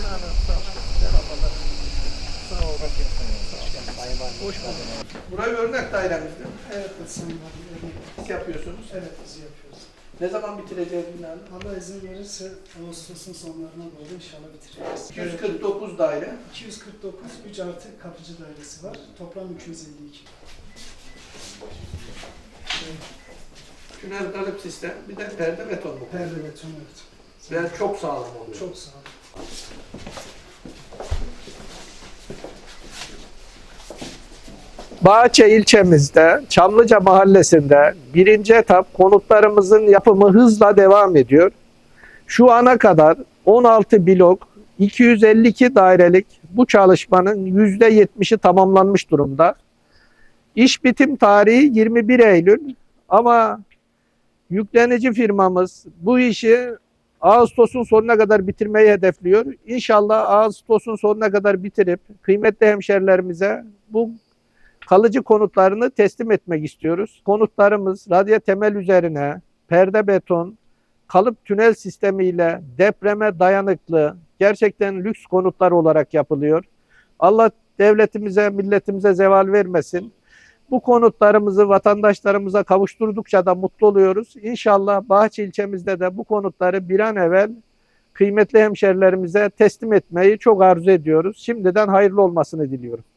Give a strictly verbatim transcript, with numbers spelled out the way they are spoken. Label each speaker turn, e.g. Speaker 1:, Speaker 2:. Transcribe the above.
Speaker 1: Yani sağ ol. Merhabalar. Sağ ol. Hoş bulduk. Burayı örnek dairemizde.
Speaker 2: Evet, Sayın Valim.
Speaker 1: Siz yapıyorsunuz.
Speaker 2: Evet, biz yapıyoruz.
Speaker 1: Ne zaman bitireceğiz binanı?
Speaker 2: Allah izin verirse Ağustos'un sonlarına doğru inşallah bitireceğiz.
Speaker 1: iki yüz kırk dokuz daire.
Speaker 2: iki yüz kırk dokuz, üç artı kapıcı dairesi var. Toplam iki yüz elli iki.
Speaker 1: Tünel kalıp sistem. Bir de perde beton bu.
Speaker 2: Perde beton, evet.
Speaker 1: Ve çok sağlam oluyor.
Speaker 2: Çok sağ olun.
Speaker 3: Bağçay ilçemizde, Çamlıca mahallesinde birinci etap konutlarımızın yapımı hızla devam ediyor. Şu ana kadar on altı blok, iki yüz elli iki dairelik bu çalışmanın yüzde yetmişi tamamlanmış durumda. İş bitim tarihi yirmi bir Eylül ama yüklenici firmamız bu işi Ağustos'un sonuna kadar bitirmeyi hedefliyor. İnşallah Ağustos'un sonuna kadar bitirip kıymetli hemşerilerimize bu kalıcı konutlarını teslim etmek istiyoruz. Konutlarımız radyo temel üzerine perde beton, kalıp tünel sistemiyle depreme dayanıklı, gerçekten lüks konutlar olarak yapılıyor. Allah devletimize, milletimize zeval vermesin. Bu konutlarımızı vatandaşlarımıza kavuşturdukça da mutlu oluyoruz. İnşallah Bahçe ilçemizde de bu konutları bir an evvel kıymetli hemşerilerimize teslim etmeyi çok arzu ediyoruz. Şimdiden hayırlı olmasını diliyorum.